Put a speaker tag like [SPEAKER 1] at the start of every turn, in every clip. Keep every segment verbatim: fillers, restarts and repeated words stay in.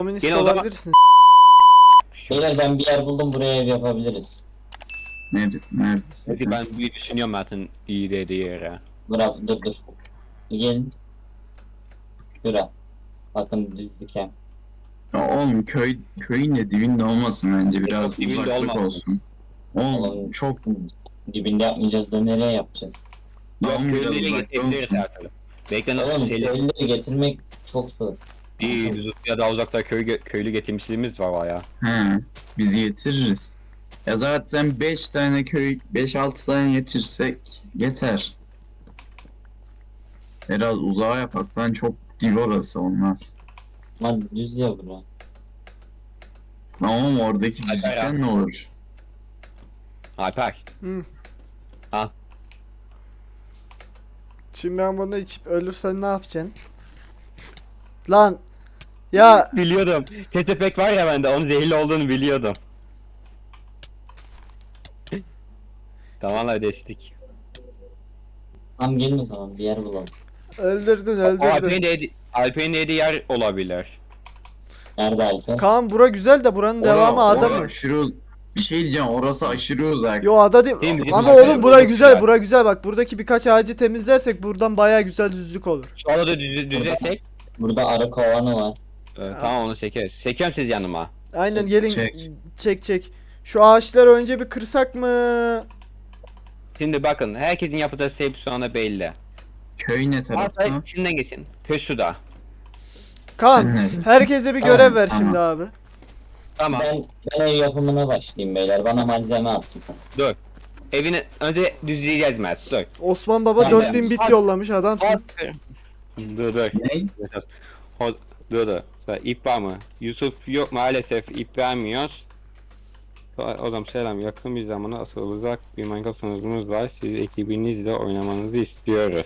[SPEAKER 1] Komünist
[SPEAKER 2] Gene o zaman-
[SPEAKER 1] olabilirsin.
[SPEAKER 3] Beyler ben bir yer buldum, buraya ev yapabiliriz.
[SPEAKER 4] Nerede, neredesin
[SPEAKER 2] Hadi
[SPEAKER 4] sen?
[SPEAKER 2] ben bir düşünüyorum zaten iyi dediği yere.
[SPEAKER 3] Bırak, dur dur. Gelin. Şura. Bakın düzlük hem.
[SPEAKER 4] Ya oğlum köy köyün de dibinde olmasın bence, biraz
[SPEAKER 2] Çok dibinde
[SPEAKER 4] uzaklık
[SPEAKER 2] olmasın.
[SPEAKER 4] olsun. Oğlum
[SPEAKER 3] Oğlum,
[SPEAKER 4] çok
[SPEAKER 3] Dibinde yapmayacağız da nereye yapacağız?
[SPEAKER 2] Yok
[SPEAKER 4] Tamam, biraz
[SPEAKER 2] köylüleri
[SPEAKER 4] uzakta
[SPEAKER 2] getirebiliriz
[SPEAKER 4] olsun.
[SPEAKER 2] her türlü. Bekle nasıl
[SPEAKER 3] Oğlum
[SPEAKER 2] şeyler
[SPEAKER 3] köylüleri getirmek çok zor.
[SPEAKER 2] değil. Biz ya daha uzakta köy, köylü getirmişliğimiz var baya.
[SPEAKER 4] He, biz getiririz. Ya zaten beş tane köy, beş altı tane getirsek yeter. Biraz uzağa yapak lan, çok dip orası olmaz.
[SPEAKER 3] Lan düz ya bura.
[SPEAKER 4] Tamam, oradaki
[SPEAKER 2] Alper
[SPEAKER 4] düzlükten
[SPEAKER 2] abi.
[SPEAKER 4] ne olur?
[SPEAKER 2] Alper.
[SPEAKER 1] Hı.
[SPEAKER 2] Ha.
[SPEAKER 1] Şimdi ben bunu içip ölürsen ne yapacaksın? Lan. Ya
[SPEAKER 2] Biliyordum. Ketepek var ya bende onun zehirli olduğunu biliyordum. Tamam ödeştik.
[SPEAKER 3] Tamam gelin o zaman bir yer bulalım.
[SPEAKER 1] öldürdün
[SPEAKER 2] O Alper'in
[SPEAKER 1] öldürdün.
[SPEAKER 2] dediği, Alper'in dediği yer olabilir.
[SPEAKER 3] Nerede Alper?
[SPEAKER 1] Kaan bura güzel de buranın devamı
[SPEAKER 4] Ora-
[SPEAKER 1] ada
[SPEAKER 4] ora
[SPEAKER 1] mı?
[SPEAKER 4] aşırı uz- bir şey diyeceğim, orası aşırı uzak.
[SPEAKER 1] Yo ada değil.
[SPEAKER 2] Değil mi? Bizim
[SPEAKER 1] Ama
[SPEAKER 2] ada
[SPEAKER 1] oğlum bura
[SPEAKER 2] burada
[SPEAKER 1] güzel,
[SPEAKER 2] güzel.
[SPEAKER 1] bura güzel bak. Buradaki birkaç ağacı temizlersek buradan baya güzel düzlük olur.
[SPEAKER 2] Şu anda da düz, düzelsek.
[SPEAKER 3] Burada arı kovanı var.
[SPEAKER 2] Ee, tamam onu çekeriz. Çekiyorum siz yanıma.
[SPEAKER 1] Aynen gelin
[SPEAKER 4] Çek.
[SPEAKER 1] çek çek. Şu ağaçları önce bir kırsak mı?
[SPEAKER 2] Şimdi bakın herkesin yapacağı şey şu anda belli.
[SPEAKER 4] Köy ne tarafta?
[SPEAKER 2] Varsa içinden geçin. Köy şurada.
[SPEAKER 1] Kaan
[SPEAKER 4] Sen neredesin?
[SPEAKER 1] herkese bir
[SPEAKER 3] Tamam,
[SPEAKER 1] görev ver
[SPEAKER 4] tamam.
[SPEAKER 1] şimdi abi.
[SPEAKER 2] Tamam.
[SPEAKER 3] Ben, ben ev yapımına başlayayım beyler. Bana malzeme atın.
[SPEAKER 2] Dur. Evini önce düzleyeceğiz Mert. Dur.
[SPEAKER 1] Osman Baba
[SPEAKER 2] Tamam,
[SPEAKER 1] dört bin
[SPEAKER 2] ben-
[SPEAKER 1] bit
[SPEAKER 2] Hadi.
[SPEAKER 1] yollamış adamsın.
[SPEAKER 2] Dur dur.
[SPEAKER 4] Ne?
[SPEAKER 2] Ho- Dur dur. İp var mı? Yusuf yok maalesef ip vermiyoruz. Oğlum selam, yakın bir zamana asıl uzak bir Minecraft sunucumuz var. Siz ekibinizle oynamanızı istiyoruz.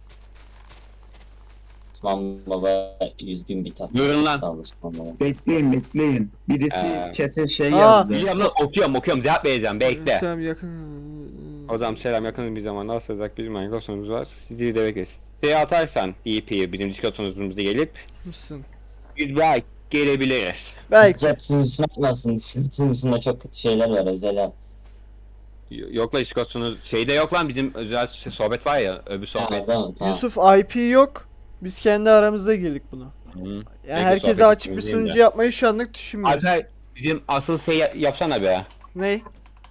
[SPEAKER 3] Osman Baba yüz bin bit attı.
[SPEAKER 2] Buyurun lan.
[SPEAKER 3] Sağ ol Osman Baba.
[SPEAKER 4] Bekleyin bekleyin. Birisi
[SPEAKER 2] Ee,
[SPEAKER 4] chat'e şey
[SPEAKER 1] Aa.
[SPEAKER 4] yazdı.
[SPEAKER 2] Biliyorum lan, okuyorum okuyorum cevap vereceğim bekle.
[SPEAKER 1] Sen yakın.
[SPEAKER 2] O zaman selam, yakın bir zamanda asıl uzak bir Minecraft sunucumuz var. Sizi de bekleriz. Şey atarsan E P'yi bizim Discord sunucumuzda gelip
[SPEAKER 1] Mısın?
[SPEAKER 2] biz belki gelebiliriz.
[SPEAKER 1] Belki.
[SPEAKER 3] Chat sunucusuna atmasın. Chat sunucusunda çok kötü şeyler var. Özel at.
[SPEAKER 2] Y- Yok lan Discord sunucu şeyde yok lan, bizim özel sohbet var ya, öbür sohbet.
[SPEAKER 3] Tamam, tamam.
[SPEAKER 1] Yusuf I P yok. Biz kendi aramızda girdik bunu.
[SPEAKER 2] Hı.
[SPEAKER 1] Yani
[SPEAKER 2] Peki,
[SPEAKER 1] herkese
[SPEAKER 2] sohbet
[SPEAKER 1] açık bir
[SPEAKER 2] ettiğimiz yerinde.
[SPEAKER 1] sunucu yapmayı şu anlık düşünmüyoruz.
[SPEAKER 2] Alper bizim asıl şey ya- yapsana be.
[SPEAKER 1] Ney?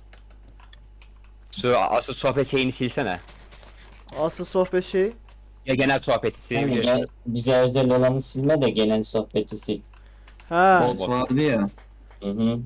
[SPEAKER 2] Şu asıl sohbet şeyini silsene.
[SPEAKER 1] Asıl sohbet şeyi.
[SPEAKER 2] Ya genel sohbeti
[SPEAKER 3] Yani
[SPEAKER 2] silebilirsin.
[SPEAKER 3] gel, bize özel olanı silme de genel sohbeti sil.
[SPEAKER 1] Ha.
[SPEAKER 4] Bot vardı ya.
[SPEAKER 3] Hı hı.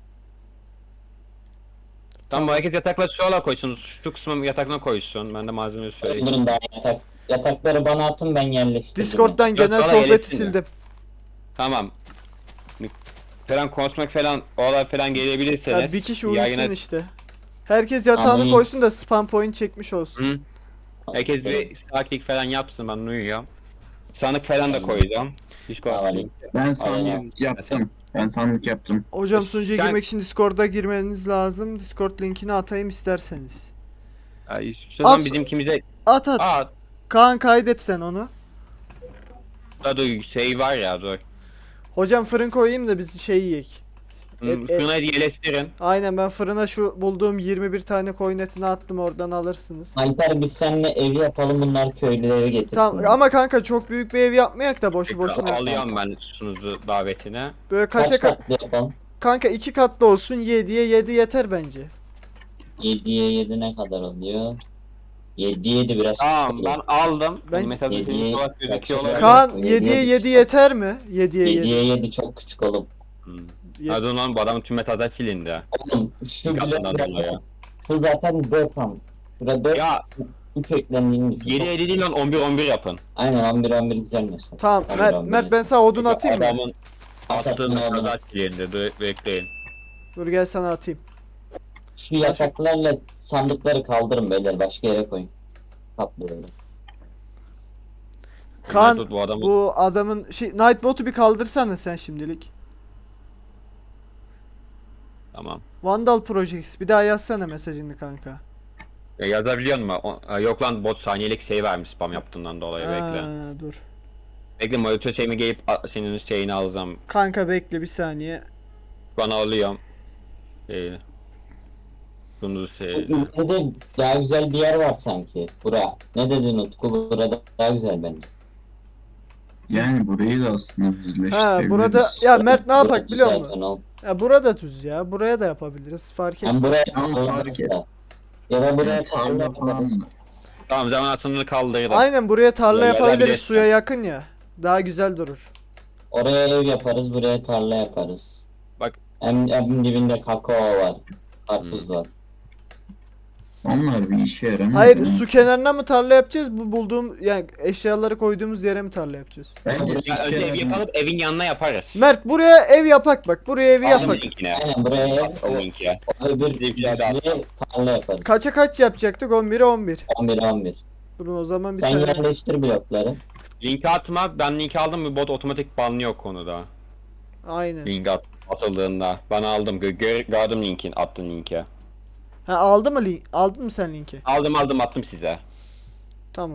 [SPEAKER 2] Tamam, bu herkes yatakları şuraya koysun. Şu kısmı yataklarına koysun. Ben de malzemeyi söyleyeyim.
[SPEAKER 3] Durun daha yatak. Yatakları bana atın, ben yerleştirdim.
[SPEAKER 1] Discord'dan
[SPEAKER 2] Yok,
[SPEAKER 1] genel
[SPEAKER 2] bana
[SPEAKER 1] sohbeti
[SPEAKER 2] iletsin de.
[SPEAKER 1] sildim.
[SPEAKER 2] Tamam. Falan konuşmak falan, olay falan gelebilirseniz.
[SPEAKER 1] Ya bir kişi uyusun
[SPEAKER 2] yayına-
[SPEAKER 1] işte. Herkes yatağını
[SPEAKER 3] Anlayayım.
[SPEAKER 1] koysun da spam point çekmiş olsun.
[SPEAKER 2] Hı. Herkes bir sakinlik falan yapsın, ben uyuyorum. Sanık falan da koyacağım. Discord
[SPEAKER 3] Tamam.
[SPEAKER 2] link.
[SPEAKER 4] Ben sandık yaptım. Ben sandık yaptım.
[SPEAKER 1] Hocam sunucuya
[SPEAKER 2] Sen-
[SPEAKER 1] girmek için Discord'a girmeniz lazım. Discord linkini atayım isterseniz.
[SPEAKER 2] Ay, şu zaman
[SPEAKER 1] As-
[SPEAKER 2] bizimkimize...
[SPEAKER 1] At at.
[SPEAKER 2] Aa,
[SPEAKER 1] Kaan kaydet sen onu.
[SPEAKER 2] da dur şey var ya, dur.
[SPEAKER 1] Hocam fırın koyayım da biz şey yiyek.
[SPEAKER 2] Hı,
[SPEAKER 1] Et- et-
[SPEAKER 2] Şuna yerleştirin.
[SPEAKER 1] Aynen, ben fırına şu bulduğum yirmi bir tane koyun etini attım, oradan alırsınız.
[SPEAKER 3] Alper biz seninle ev yapalım, bunlar köylüleri getirsin.
[SPEAKER 1] Tamam ama kanka çok büyük bir ev yapmayak da boşu boşuna.
[SPEAKER 2] Alıyorum ben sunucu davetine.
[SPEAKER 1] Böyle
[SPEAKER 3] Kaç
[SPEAKER 1] kaça kat?
[SPEAKER 3] katlı yapalım?
[SPEAKER 1] Kanka iki katlı olsun, yediye yedi yeter bence.
[SPEAKER 3] yediye yedi ne kadar oluyor? yediye yedi biraz
[SPEAKER 2] Tamam
[SPEAKER 3] küçük
[SPEAKER 2] ben
[SPEAKER 3] olur.
[SPEAKER 2] aldım.
[SPEAKER 1] Ben-
[SPEAKER 2] Ben mesela
[SPEAKER 3] Yediye-
[SPEAKER 2] senin olarak gözüküyor
[SPEAKER 3] Bak,
[SPEAKER 2] olabilir.
[SPEAKER 1] Kaan
[SPEAKER 3] yediye
[SPEAKER 1] yediye
[SPEAKER 3] yedi.
[SPEAKER 1] yedi yeter mi? yediye yedi.
[SPEAKER 3] yediye yedi çok küçük oğlum.
[SPEAKER 2] Hmm.
[SPEAKER 1] Ye-
[SPEAKER 2] Hadi lan, bu adamın tüm metadan silindi.
[SPEAKER 3] Oğlum şu
[SPEAKER 2] Katından
[SPEAKER 3] blok
[SPEAKER 2] dolayı.
[SPEAKER 3] şu zaten dört tam. Şurada dört
[SPEAKER 2] Ya
[SPEAKER 3] üç eklendiğini düşün.
[SPEAKER 2] yedi yedi değil lan, on bir on bir yapın.
[SPEAKER 3] Aynen on bir on bir güzel mesela.
[SPEAKER 1] Tamam
[SPEAKER 3] on bir,
[SPEAKER 1] Mert,
[SPEAKER 3] on bir.
[SPEAKER 1] Mert ben sana odun atayım mı?
[SPEAKER 2] Adamın attığı
[SPEAKER 3] Atarsın oğlum.
[SPEAKER 2] metadan silindi. Dur bekleyin.
[SPEAKER 1] Dur gel sana atayım.
[SPEAKER 3] Şu yataklarla sandıkları kaldırın beyler, başka yere koyun. Kaplıyorum.
[SPEAKER 1] Kaan
[SPEAKER 2] Dur, bu adamın...
[SPEAKER 1] bu adamın şey Nightbot'u bir kaldırsana sen şimdilik.
[SPEAKER 2] Tamam.
[SPEAKER 1] Vandal Projects bir daha yazsana mesajını kanka.
[SPEAKER 2] Ya yazabiliyor musun? O- Ha, yok lan, bot saniyelik şey vermiş spam yaptığından dolayı, bekle.
[SPEAKER 1] Ha, dur.
[SPEAKER 2] Bekle monitör şeyimi gelip a- senin şeyini alacağım.
[SPEAKER 1] Kanka bekle bir saniye.
[SPEAKER 2] Bana alıyorum. Ee, bunu şey.
[SPEAKER 3] Burada daha güzel bir yer var sanki. Bura. Ne dedin Utku? Burada daha güzel bence.
[SPEAKER 4] Yani burayı da aslında
[SPEAKER 1] Ha
[SPEAKER 4] düzleştirebiliriz.
[SPEAKER 1] burada ya Mert ne yapak
[SPEAKER 3] Burası
[SPEAKER 1] biliyor
[SPEAKER 3] zaten
[SPEAKER 1] musun?
[SPEAKER 3] ol-
[SPEAKER 1] Ya burada düz ya. Buraya da yapabiliriz. Fark etmez.
[SPEAKER 3] Hem buraya
[SPEAKER 4] Ama
[SPEAKER 3] tarla
[SPEAKER 4] fark et.
[SPEAKER 3] yaparız. Ya da buraya
[SPEAKER 4] Yani
[SPEAKER 3] tarla
[SPEAKER 4] tarla
[SPEAKER 3] yaparız.
[SPEAKER 4] falan da.
[SPEAKER 2] Tamam zaman atını kaldırdım.
[SPEAKER 1] Aynen buraya tarla
[SPEAKER 2] Ya,
[SPEAKER 1] yapabiliriz.
[SPEAKER 2] yapabilirsin.
[SPEAKER 1] Suya yakın ya. Daha güzel durur.
[SPEAKER 3] Oraya ev yaparız, buraya tarla yaparız.
[SPEAKER 2] Bak.
[SPEAKER 3] Hem, hem dibinde kakao var. Karpuz
[SPEAKER 2] Hmm.
[SPEAKER 3] var.
[SPEAKER 4] Onlar bir işe yaramıyor.
[SPEAKER 1] Hayır
[SPEAKER 4] ama
[SPEAKER 1] su kenarına mı tarla yapacağız? Bu bulduğum yani eşyaları koyduğumuz yere mi tarla yapacağız?
[SPEAKER 4] Bence su
[SPEAKER 2] Ya önce ev
[SPEAKER 4] kenarına-
[SPEAKER 2] yapalım evin yanına yaparız.
[SPEAKER 1] Mert buraya ev yapak bak. Buraya evi
[SPEAKER 2] Aldım
[SPEAKER 1] yapak.
[SPEAKER 2] linkine.
[SPEAKER 3] Aynen buraya ev,
[SPEAKER 2] Attım linki.
[SPEAKER 3] o öbür
[SPEAKER 2] Bizimkiler de
[SPEAKER 3] düzlüğe tarla yaparız.
[SPEAKER 1] Kaça kaç yapacaktık? on bire on bir.
[SPEAKER 3] on bir on bir.
[SPEAKER 1] Durun o zaman bir
[SPEAKER 3] Sen
[SPEAKER 1] tane.
[SPEAKER 3] yerleştir blokları.
[SPEAKER 2] Linki atma. Ben linki aldım. Bir bot otomatik banlıyor konuda.
[SPEAKER 1] Aynen.
[SPEAKER 2] Link at, atıldığında. Ben aldım. Gö gör gördüm linkin. Attın linki.
[SPEAKER 1] Ha aldı mı link? Aldın mı sen linki?
[SPEAKER 2] Aldım aldım attım size.
[SPEAKER 1] Tamam.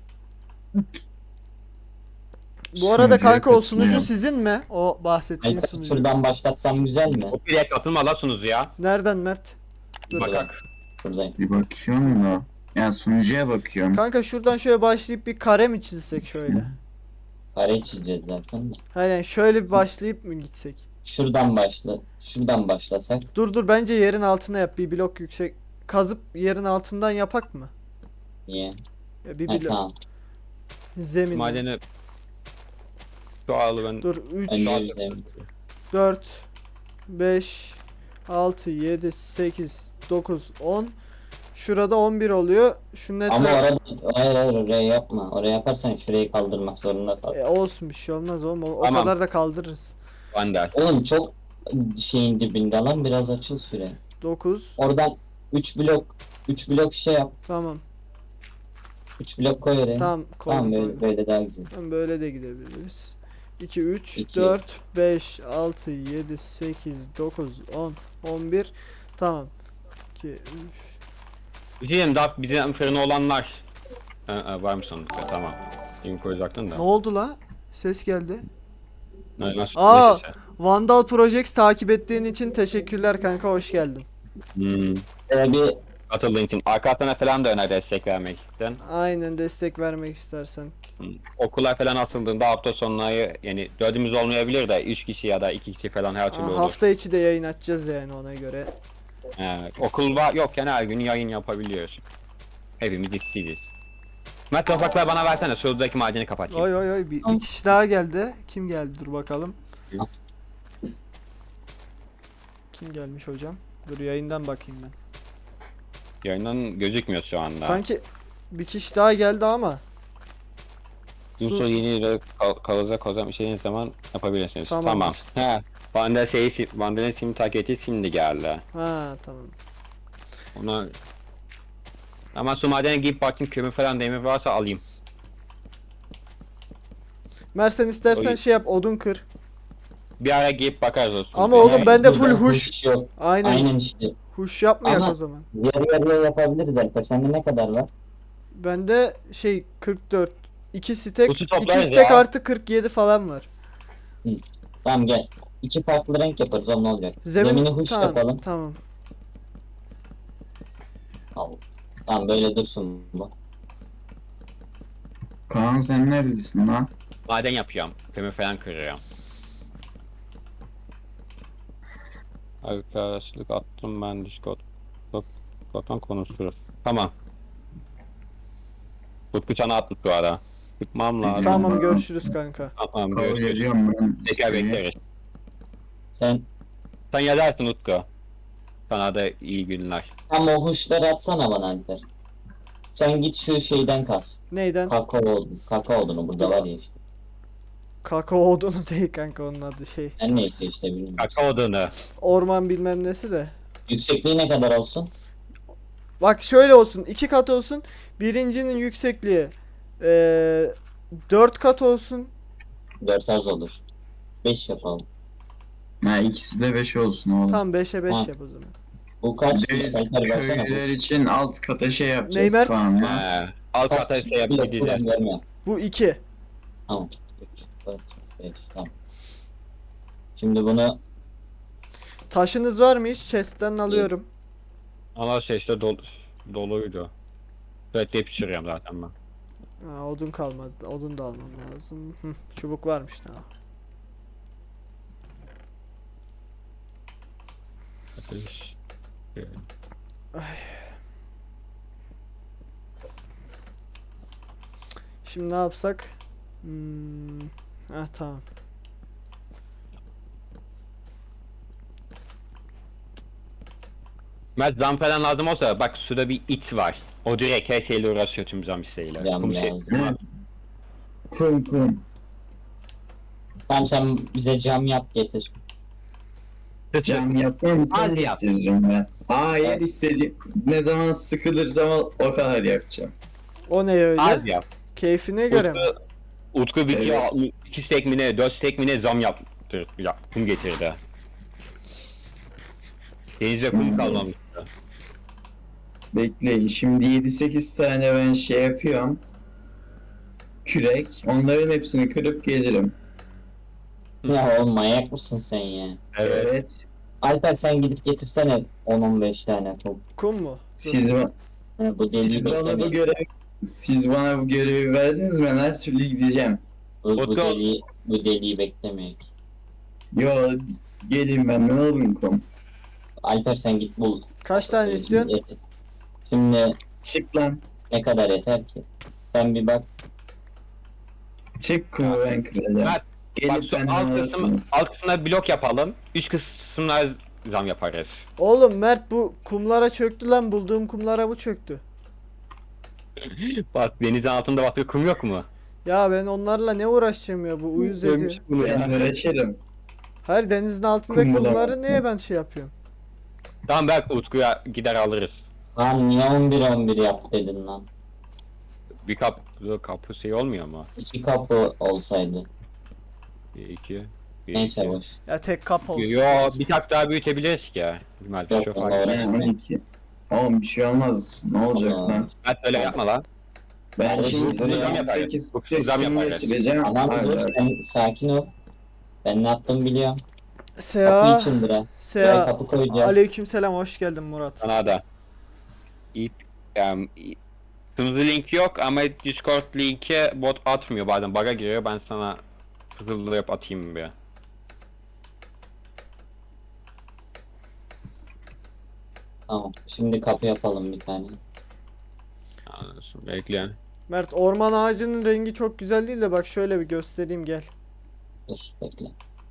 [SPEAKER 1] Bu arada
[SPEAKER 4] Sunucuya
[SPEAKER 1] kanka o sunucu
[SPEAKER 4] katılıyorum.
[SPEAKER 1] sizin mi? O bahsettiğin
[SPEAKER 3] Hayır,
[SPEAKER 1] sunucu.
[SPEAKER 3] şuradan başlatsam güzel mi?
[SPEAKER 2] O direkt atılma la sunucuya.
[SPEAKER 1] Nereden Mert? Dur.
[SPEAKER 2] Bakak.
[SPEAKER 3] Buradayım.
[SPEAKER 4] Bir bakıyorum da. Yani sunucuya bakıyorum.
[SPEAKER 1] Kanka şuradan şöyle başlayıp bir kare mi çizsek şöyle?
[SPEAKER 3] Kareyi çizeceğiz zaten de.
[SPEAKER 1] Aynen şöyle bir başlayıp mı gitsek?
[SPEAKER 3] Şuradan başla. Şuradan başlasak.
[SPEAKER 1] Dur dur bence yerin altına yap. Bir blok yüksek. Kazıp yerin altından yapak mı?
[SPEAKER 3] Niye?
[SPEAKER 1] Ya bir
[SPEAKER 3] Ha,
[SPEAKER 1] blok.
[SPEAKER 3] tamam.
[SPEAKER 1] Zemin.
[SPEAKER 2] Madeni şu alı ben.
[SPEAKER 1] Dur üç,
[SPEAKER 3] Önce yüzeyim.
[SPEAKER 1] dört, beş, altı, yedi, sekiz, dokuz, on. Şurada on bir oluyor. Şunun
[SPEAKER 3] Ama
[SPEAKER 1] etrafı...
[SPEAKER 3] orada hayır hayır oraya yapma. Oraya yaparsan şurayı kaldırmak zorunda kal.
[SPEAKER 1] E, olsun bir şey olmaz oğlum. O, o
[SPEAKER 2] Tamam.
[SPEAKER 1] kadar da kaldırırız.
[SPEAKER 2] Vander.
[SPEAKER 3] Oğlum çok şeyin dibinde lan biraz açıl şuraya.
[SPEAKER 1] dokuz.
[SPEAKER 3] Oradan üç blok üç blok şey yap.
[SPEAKER 1] Tamam.
[SPEAKER 3] üç blok koy oraya.
[SPEAKER 1] Tamam.
[SPEAKER 3] Tamam
[SPEAKER 1] Tamam.
[SPEAKER 3] böyle, böyle daha güzel.
[SPEAKER 1] Tamam, böyle de gidebiliriz. iki, üç,
[SPEAKER 3] İki.
[SPEAKER 1] dört, beş, altı, yedi, sekiz, dokuz, on, on bir. Tamam. iki, üç.
[SPEAKER 2] Bir şey diyeyim daha bizim fırını olanlar. Ha, ha, var mı sandıkta tamam. Link koyacaktın da.
[SPEAKER 1] Ne oldu la? Ses geldi.
[SPEAKER 2] Ne, nasıl,
[SPEAKER 1] Aa!
[SPEAKER 2] neyse.
[SPEAKER 1] Vandal Projects takip ettiğin için teşekkürler kanka hoş geldin.
[SPEAKER 2] Hmm.
[SPEAKER 3] Böyle bir
[SPEAKER 2] Atıldığın için. Arka hatlarına falan da öner destek vermek için.
[SPEAKER 1] Aynen destek vermek istersen.
[SPEAKER 2] Hmm. Okullar falan asıldığında hafta sonları yani dördümüz olmayabilir de üç kişi ya da iki kişi falan her türlü
[SPEAKER 1] Aa,
[SPEAKER 2] olur.
[SPEAKER 1] hafta içi de yayın açacağız yani ona göre.
[SPEAKER 2] Ee, okul var yokken her gün yayın yapabiliyoruz. Hepimiz işsiziz. Mert topraklar bana versene şuradaki madeni kapatayım.
[SPEAKER 1] Oy oy oy bir, bir kişi daha geldi. Kim geldi dur bakalım. Kim gelmiş hocam? Dur yayından bakayım ben.
[SPEAKER 2] Yayından gözükmüyor şu anda.
[SPEAKER 1] Sanki bir kişi daha geldi ama.
[SPEAKER 2] Yusuf
[SPEAKER 1] Su-
[SPEAKER 2] yeni lira kal kalacak o zaman istediğiniz zaman yapabilirsiniz.
[SPEAKER 1] Tamam.
[SPEAKER 2] Tamam. He. Vandal şeyi Vandal'in sim taketi şimdi geldi.
[SPEAKER 1] Ha tamam.
[SPEAKER 2] Ona ama su madene gidip bakayım kömür falan demir varsa alayım.
[SPEAKER 1] Mert sen istersen
[SPEAKER 2] Oy.
[SPEAKER 1] şey yap odun kır.
[SPEAKER 2] Bir ara gidip bakarız o su.
[SPEAKER 1] Ama oğlum bende full
[SPEAKER 3] burada
[SPEAKER 1] huş.
[SPEAKER 3] yok.
[SPEAKER 1] Aynen.
[SPEAKER 3] Aynen işte.
[SPEAKER 1] Huş yapmayak
[SPEAKER 3] Ama-
[SPEAKER 1] o zaman.
[SPEAKER 3] Yarı yarıya yapabiliriz Alper. Sende ne kadar var?
[SPEAKER 1] Bende şey kırk dört. iki stek,
[SPEAKER 2] Huşu
[SPEAKER 1] iki
[SPEAKER 2] toplarız
[SPEAKER 1] stek
[SPEAKER 2] ya.
[SPEAKER 1] artı kırk yedi falan var.
[SPEAKER 3] Tamam gel. İki farklı renk yaparız o ne olacak?
[SPEAKER 1] Zemin
[SPEAKER 3] Zemini huş
[SPEAKER 1] tamam,
[SPEAKER 3] yapalım.
[SPEAKER 1] tamam.
[SPEAKER 3] Al. Tamam böyle dursun bu.
[SPEAKER 4] Kaan sen neredesin lan?
[SPEAKER 2] Maden yapıyorum. Kömür falan kırıyorum. Arkadaşlık attım ben Discord. Discord'dan konuşuruz. Tamam. Tutku çana attık bu ara. Çıkmam lazım.
[SPEAKER 1] Tamam
[SPEAKER 4] ben-
[SPEAKER 1] görüşürüz kanka.
[SPEAKER 2] Tamam
[SPEAKER 4] Kabul
[SPEAKER 2] görüşürüz.
[SPEAKER 4] ediyorum ben.
[SPEAKER 2] Tekrar
[SPEAKER 4] isteği.
[SPEAKER 2] bekleriz.
[SPEAKER 3] Sen
[SPEAKER 2] Sen yazarsın Utku. Sana da iyi günler.
[SPEAKER 3] tam o huşları atsana bana Alper. Sen git şu şeyden kas.
[SPEAKER 1] Neyden?
[SPEAKER 3] Kakao odunu. Kakao odunu burada var ya işte.
[SPEAKER 1] Kakao odunu değil kanka onun adı şey.
[SPEAKER 3] Her neyse işte bilmiyorum.
[SPEAKER 2] Kakao odunu.
[SPEAKER 1] Orman bilmem nesi de.
[SPEAKER 3] Yüksekliği ne kadar olsun?
[SPEAKER 1] Bak şöyle olsun. iki kat olsun. Birincinin yüksekliği eee dört kat olsun.
[SPEAKER 3] dört az olur. beş yapalım.
[SPEAKER 4] Ha, ikisi de beş olsun oğlum.
[SPEAKER 1] Tam beşe beş
[SPEAKER 3] Ha.
[SPEAKER 1] yap o zaman.
[SPEAKER 3] Bu kaç?
[SPEAKER 4] Bir de biz
[SPEAKER 3] Alper versene.
[SPEAKER 4] köylüler için alt kata şey yapacağız
[SPEAKER 1] Neymert?
[SPEAKER 4] Kaan'la.
[SPEAKER 2] He. Alt kata şey
[SPEAKER 3] Bir
[SPEAKER 2] yapıp
[SPEAKER 3] dakika,
[SPEAKER 2] gideceğiz.
[SPEAKER 3] ben görmüyorum.
[SPEAKER 1] Bu iki.
[SPEAKER 3] Tamam. Üç. dört, beş, tamam. Şimdi bunu
[SPEAKER 1] Taşınız var mı hiç? Chest'ten alıyorum.
[SPEAKER 2] Ama şey işte dolu, doluydu. Sürekli pişiriyorum zaten ben.
[SPEAKER 1] Ha, odun kalmadı. Odun da almam lazım. Hı, çubuk varmış daha.
[SPEAKER 2] Ateş.
[SPEAKER 1] Şimdi ne yapsak? Hmm. Ha tamam.
[SPEAKER 2] Mert zam falan lazım olsa bak suda bir it var. O direkt her şeyle uğraşıyor tüm zam isteğiyle.
[SPEAKER 3] Cam
[SPEAKER 2] Kum şey-
[SPEAKER 3] lazım.
[SPEAKER 4] Ne? Kum kum.
[SPEAKER 3] tamam sen bize cam yap getir.
[SPEAKER 4] Cam yapmam.
[SPEAKER 2] Hadi
[SPEAKER 4] Kum
[SPEAKER 2] yap.
[SPEAKER 4] getiririm ben. Hayır istediğim. Ne zaman sıkılırsam o o kadar yapacağım.
[SPEAKER 1] O ne öyle?
[SPEAKER 2] Az yap.
[SPEAKER 1] Keyfine göre mi?
[SPEAKER 2] Utku, Utku bir
[SPEAKER 4] Evet.
[SPEAKER 2] evet. iki stek mi ne, dört stek mi ne zam yaptı. Ya, kum getirdi. Denizde kum
[SPEAKER 4] Şimdi-
[SPEAKER 2] kalmamıştı.
[SPEAKER 4] Bekleyin. Şimdi yedi sekiz tane ben şey yapıyorum. Kürek. Onların hepsini kırıp gelirim.
[SPEAKER 3] Ya oğlum manyak mısın sen ya?
[SPEAKER 2] Evet.
[SPEAKER 4] Evet.
[SPEAKER 3] Alper sen gidip getirsene on on beş tane top.
[SPEAKER 1] Kum mu? Dur.
[SPEAKER 4] Siz, ba-
[SPEAKER 3] Ha, bu deliği
[SPEAKER 4] siz bana bu
[SPEAKER 3] beklemeyin.
[SPEAKER 4] görevi siz bana bu görevi verdiniz, ben her türlü gideceğim.
[SPEAKER 3] Bu, bu
[SPEAKER 2] Utku-
[SPEAKER 3] deliği, bu deliği beklemeyin.
[SPEAKER 4] Yo, gelin benden alın kum.
[SPEAKER 3] Alper sen git bul.
[SPEAKER 1] Kaç tane istiyorsun?
[SPEAKER 3] Şimdi
[SPEAKER 4] Çık lan.
[SPEAKER 3] ne kadar yeter ki? Sen bir bak.
[SPEAKER 4] Çık kumu ben kıracağım.
[SPEAKER 2] Mert, Bak
[SPEAKER 4] Gelip
[SPEAKER 2] şu
[SPEAKER 4] benden
[SPEAKER 2] alt, kısım,
[SPEAKER 4] alırsınız.
[SPEAKER 2] alt kısmına blok yapalım. Üst kısmına zam yaparız.
[SPEAKER 1] Oğlum Mert bu kumlara çöktü lan. Bulduğum kumlara bu çöktü.
[SPEAKER 2] Bak denizin altında başka kum yok mu?
[SPEAKER 1] Ya ben onlarla ne uğraşacağım ya, bu uyuz ediyor.
[SPEAKER 2] Ölmüş bunu
[SPEAKER 4] Ben
[SPEAKER 2] ya.
[SPEAKER 4] uğraşırım.
[SPEAKER 1] Hayır, denizin altındaki
[SPEAKER 4] Kum
[SPEAKER 1] kumları
[SPEAKER 4] bulamazsın.
[SPEAKER 1] niye ben şey yapıyorum?
[SPEAKER 2] Tamam belki Utku'ya gider alırız.
[SPEAKER 3] Lan niye on bir on bir yap dedin lan?
[SPEAKER 2] Bir kap, kapı şey olmuyor mu?
[SPEAKER 3] İki kapı olsaydı.
[SPEAKER 2] Bir, iki, bir,
[SPEAKER 3] Neyse
[SPEAKER 2] iki.
[SPEAKER 3] boş.
[SPEAKER 1] Ya tek kap olsun.
[SPEAKER 2] Yo bir tak daha büyütebiliriz ki ya. Mert
[SPEAKER 3] Yok,
[SPEAKER 2] çok
[SPEAKER 3] Allah
[SPEAKER 2] fark
[SPEAKER 3] Allah.
[SPEAKER 2] etmez.
[SPEAKER 4] Ben on iki. Oğlum bir şey olmaz. Ne olacak
[SPEAKER 3] Allah.
[SPEAKER 4] lan?
[SPEAKER 2] Mert öyle yapma lan.
[SPEAKER 4] Ben
[SPEAKER 3] Kardeşim,
[SPEAKER 4] şimdi
[SPEAKER 3] bunu
[SPEAKER 4] size
[SPEAKER 3] zam
[SPEAKER 4] yedi
[SPEAKER 2] yaparız.
[SPEAKER 4] sekiz
[SPEAKER 2] Bu kısmı zam
[SPEAKER 4] kum
[SPEAKER 2] yaparız.
[SPEAKER 4] getireceğim.
[SPEAKER 3] Tamam dur
[SPEAKER 4] Hala.
[SPEAKER 3] sen sakin ol. Ben ne yaptım biliyorum. Kapı
[SPEAKER 1] Seha.
[SPEAKER 3] içindir ha. Buraya
[SPEAKER 1] Seha.
[SPEAKER 3] kapı koyacağız.
[SPEAKER 1] Aleykümselam, hoş geldin Murat.
[SPEAKER 2] Sana da. İp, um, sunucu linki yok ama Discord linki bot atmıyor bazen bug'a giriyor, ben sana hızlı atayım bir.
[SPEAKER 3] Tamam. Şimdi kapı yapalım bir tane.
[SPEAKER 2] Anlasın bekleyin.
[SPEAKER 1] Mert, orman ağacının rengi çok güzel değil de bak şöyle bir göstereyim, gel.
[SPEAKER 3] Dur bekle.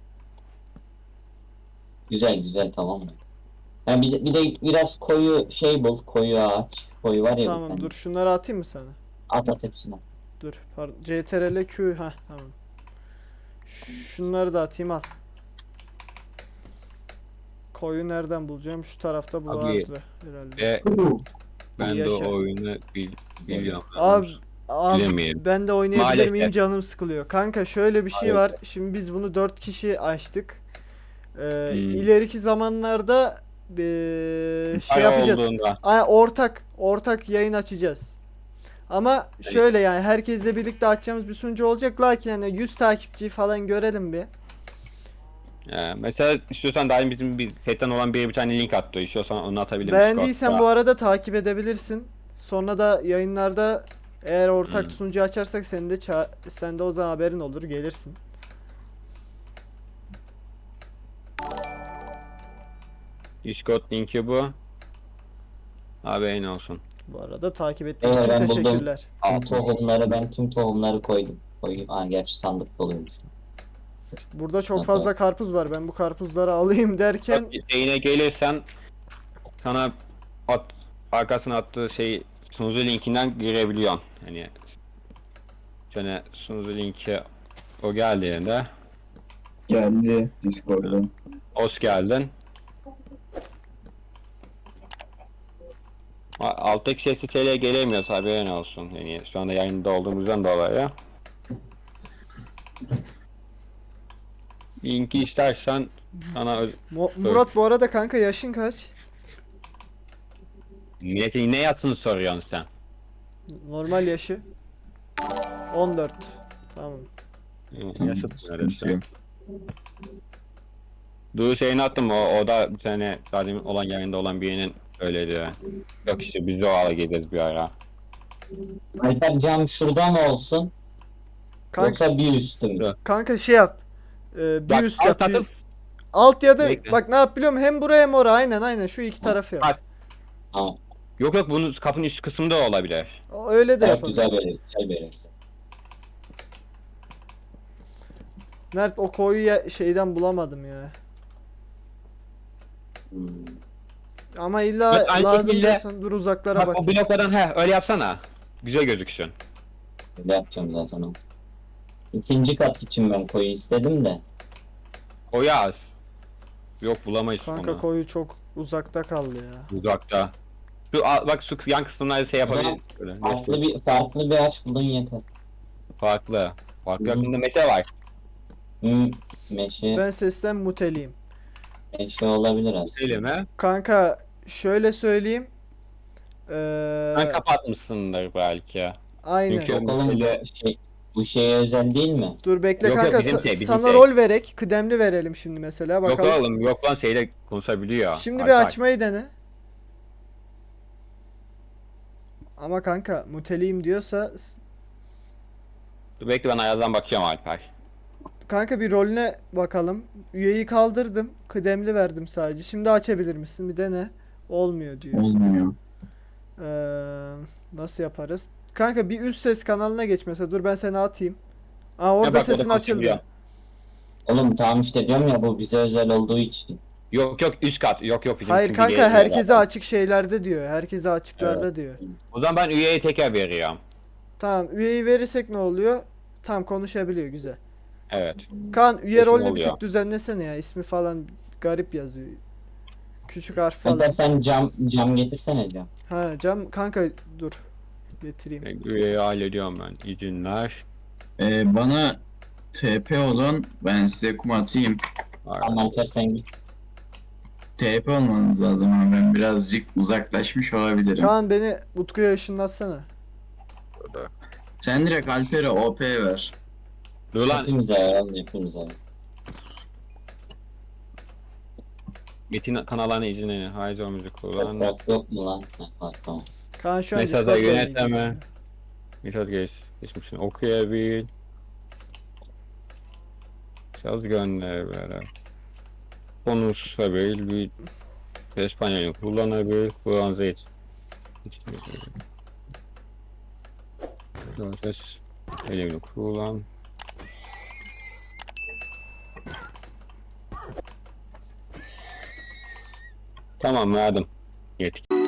[SPEAKER 3] Güzel güzel tamam mı? Ha, bir, de, bir de biraz koyu şey bul. Koyu ağaç. Koyu var ya bir
[SPEAKER 1] Tamam
[SPEAKER 3] tane.
[SPEAKER 1] dur, şunları atayım mı sana?
[SPEAKER 3] At at hepsini.
[SPEAKER 1] Dur pardon. C T R L Q, ha tamam. Şunları da atayım, al. Koyu nereden bulacağım? Şu tarafta bu
[SPEAKER 2] Abi,
[SPEAKER 1] vardı herhalde.
[SPEAKER 2] Ve ben de
[SPEAKER 1] Yaşa.
[SPEAKER 2] o oyunu bil, biliyorum.
[SPEAKER 1] Abi, abi
[SPEAKER 2] Bilemiyorum.
[SPEAKER 1] ben de oynayabilir
[SPEAKER 2] Maalesef.
[SPEAKER 1] miyim, canım sıkılıyor. Kanka şöyle bir şey
[SPEAKER 2] Hayır.
[SPEAKER 1] var. Şimdi biz bunu dört kişi açtık. Ee,
[SPEAKER 2] Hmm.
[SPEAKER 1] ileriki zamanlarda ee, şey
[SPEAKER 2] Para
[SPEAKER 1] yapacağız.
[SPEAKER 2] olduğunda.
[SPEAKER 1] Ay, ortak ortak yayın açacağız. Ama şöyle yani herkesle birlikte açacağımız bir sunucu olacak, lakin hani yüz takipçi falan görelim bir.
[SPEAKER 2] Ee, mesela istiyorsan daha bizim bir setten olan biri bir tane link attı. İstiyorsan onu atabilirim.
[SPEAKER 1] Beğendiysen
[SPEAKER 2] Discord'da.
[SPEAKER 1] bu arada takip edebilirsin. Sonra da yayınlarda eğer ortak
[SPEAKER 2] Hmm.
[SPEAKER 1] sunucu açarsak senin de ça- sen de o zaman haberin olur, gelirsin.
[SPEAKER 2] Discord linki bu. Haberin olsun.
[SPEAKER 1] Bu arada takip ettiğin
[SPEAKER 3] Evet,
[SPEAKER 1] için
[SPEAKER 3] ben buldum.
[SPEAKER 1] teşekkürler.
[SPEAKER 3] Tüm tohumları ben tüm tohumları koydum. Koyayım. Aa gerçi sandık doluymuş.
[SPEAKER 1] Burada çok
[SPEAKER 3] Aha.
[SPEAKER 1] fazla karpuz var. Ben bu karpuzları alayım derken
[SPEAKER 2] Şeyine gelirsen sana at, arkasına attığı şey sunucu linkinden girebiliyorsun. Hani şöyle sunucu linki o geldiğinde
[SPEAKER 4] Geldi Discord'dan.
[SPEAKER 2] hoş geldin. A- Alttaki ses siteye gelemiyoruz, haberin olsun. Yani şu anda yayında olduğumuzdan dolayı. Linki istersen sana öz-
[SPEAKER 1] Mu- Murat, bu arada kanka yaşın kaç?
[SPEAKER 2] milletin ne yazsını soruyorsun sen.
[SPEAKER 1] Normal yaşı. on dört. Tamam.
[SPEAKER 4] Tamam,
[SPEAKER 2] Yaşıt
[SPEAKER 4] sıkıntı yok.
[SPEAKER 2] Dur şeyini attım o, o da bir tane zaten olan yayında olan birinin öyleydi. Yok işte biz de o ala gideriz bir ara.
[SPEAKER 3] Alper cam şurada mı olsun?
[SPEAKER 1] Kanka,
[SPEAKER 3] Yoksa bir üstü mü?
[SPEAKER 2] Dur.
[SPEAKER 1] kanka şey yap. Ee, bir
[SPEAKER 2] Bak
[SPEAKER 1] üst
[SPEAKER 2] alt
[SPEAKER 1] yap. bir-
[SPEAKER 2] atıp
[SPEAKER 1] Alt ya da
[SPEAKER 2] Bekle.
[SPEAKER 1] bak ne yap biliyor musun? Hem buraya hem oraya, aynen aynen şu iki tarafı yap.
[SPEAKER 2] Bak.
[SPEAKER 3] Tamam.
[SPEAKER 2] Yok yok bunun kapının üst kısmında olabilir.
[SPEAKER 1] O- Öyle de
[SPEAKER 3] Evet,
[SPEAKER 1] yapalım.
[SPEAKER 3] güzel böyle, güzel böyle. Güzel.
[SPEAKER 1] Mert o koyu ya- şeyden bulamadım ya.
[SPEAKER 3] Hmm.
[SPEAKER 1] Ama illa
[SPEAKER 2] Bak, aynı
[SPEAKER 1] lazım
[SPEAKER 2] şekilde-
[SPEAKER 1] diyorsan dur uzaklara
[SPEAKER 2] Bak
[SPEAKER 1] bak.
[SPEAKER 2] o bloklardan he öyle yapsana. Güzel gözüksün.
[SPEAKER 3] Öyle yapacağım zaten o. İkinci kat için ben koyu istedim de.
[SPEAKER 2] O yaz. Yok bulamayız
[SPEAKER 1] Kanka
[SPEAKER 2] onu.
[SPEAKER 1] koyu çok uzakta kaldı ya.
[SPEAKER 2] Uzakta. Şu a- bak şu yan kısımlarda şey yapabiliriz. Böyle,
[SPEAKER 3] Farklı bir farklı bir ağaç bulun yeter.
[SPEAKER 2] Farklı. Farklı
[SPEAKER 3] Hı hı.
[SPEAKER 2] yakında meşe var.
[SPEAKER 3] Hmm, meşe,
[SPEAKER 1] Ben sesten muteliyim.
[SPEAKER 3] meşe olabilir aslında.
[SPEAKER 2] Elime.
[SPEAKER 1] Kanka şöyle söyleyeyim. Ee,
[SPEAKER 2] Ben kapatmışsındır belki.
[SPEAKER 1] aynen.
[SPEAKER 2] Çünkü-
[SPEAKER 3] Yok oğlum
[SPEAKER 2] Öyle-
[SPEAKER 3] bu şey, bu şeye özel değil mi?
[SPEAKER 1] Dur bekle
[SPEAKER 2] Yok, yok,
[SPEAKER 1] kanka
[SPEAKER 2] bizim
[SPEAKER 1] sa-
[SPEAKER 2] şey, bizim
[SPEAKER 1] sana
[SPEAKER 2] şey.
[SPEAKER 1] rol verek. Kıdemli verelim şimdi mesela
[SPEAKER 2] Yok
[SPEAKER 1] bakalım.
[SPEAKER 2] oğlum yok lan şeyle konuşabiliyor.
[SPEAKER 1] Şimdi
[SPEAKER 2] Bak,
[SPEAKER 1] bir
[SPEAKER 2] bak.
[SPEAKER 1] açmayı dene. Ama kanka muteliyim diyorsa s-
[SPEAKER 2] Dur bekle ben ayazdan bakıyorum Alper.
[SPEAKER 1] kanka bir rolüne bakalım. Üyeyi kaldırdım. Kıdemli verdim sadece. Şimdi açabilir misin? Bir dene. Olmuyor diyor.
[SPEAKER 4] Olmuyor.
[SPEAKER 1] Ee, nasıl yaparız? Kanka bir üst ses kanalına geç mesela. Dur ben seni atayım. Aa orada
[SPEAKER 2] bak, o da
[SPEAKER 1] sesin
[SPEAKER 2] konuşabiliyor.
[SPEAKER 1] açıldı.
[SPEAKER 3] Oğlum tamam işte diyorum ya bu bize özel olduğu için.
[SPEAKER 2] Yok yok üst kat. Yok yok bizim
[SPEAKER 1] Hayır
[SPEAKER 2] şimdi
[SPEAKER 1] kanka
[SPEAKER 2] geliyor
[SPEAKER 1] herkese
[SPEAKER 2] zaten.
[SPEAKER 1] açık şeylerde diyor. Herkese açıklarda diyor.
[SPEAKER 2] O zaman ben üyeye tekrar veriyorum.
[SPEAKER 1] Tamam üyeyi verirsek ne oluyor? Tam konuşabiliyor güzel.
[SPEAKER 2] Evet.
[SPEAKER 1] Kaan üye
[SPEAKER 2] Sesim
[SPEAKER 1] rolünü bir
[SPEAKER 2] oluyor.
[SPEAKER 1] tık düzenlesene ya. İsmi falan garip yazıyor. Küçük harf falan.
[SPEAKER 3] Alper sen cam cam getirsene cam.
[SPEAKER 1] Ha cam kanka dur. Getireyim.
[SPEAKER 2] Üyeyi hallediyorum ben. İzinler.
[SPEAKER 4] Ee, bana T P olun, ben size kum atayım.
[SPEAKER 3] Tamam Alper sen git.
[SPEAKER 4] T P olmanız lazım ama ben birazcık uzaklaşmış olabilirim.
[SPEAKER 1] Kaan beni Utku'ya ışınlatsana.
[SPEAKER 2] Burada.
[SPEAKER 4] Sen direkt Alper'e O P ver.
[SPEAKER 2] Dur lan.
[SPEAKER 3] Hepimize ver oğlum hepimize ver.
[SPEAKER 2] Metin kanallarına izin Hayzo müzik kullan.
[SPEAKER 3] Toprak yok mu lan? Heh, var, tamam.
[SPEAKER 1] Kaan şu an
[SPEAKER 2] Mesajı
[SPEAKER 1] Discord'la
[SPEAKER 2] yönetleme.
[SPEAKER 1] ilgileniyor.
[SPEAKER 2] Mesaj geç. Geçmişini okuyabil. Söz gönder böyle. Konuşabil. Bir İspanyolca kullanabil. Kur'an zeyt. Ses. Elini kullan. Tamam verdim. Yetki.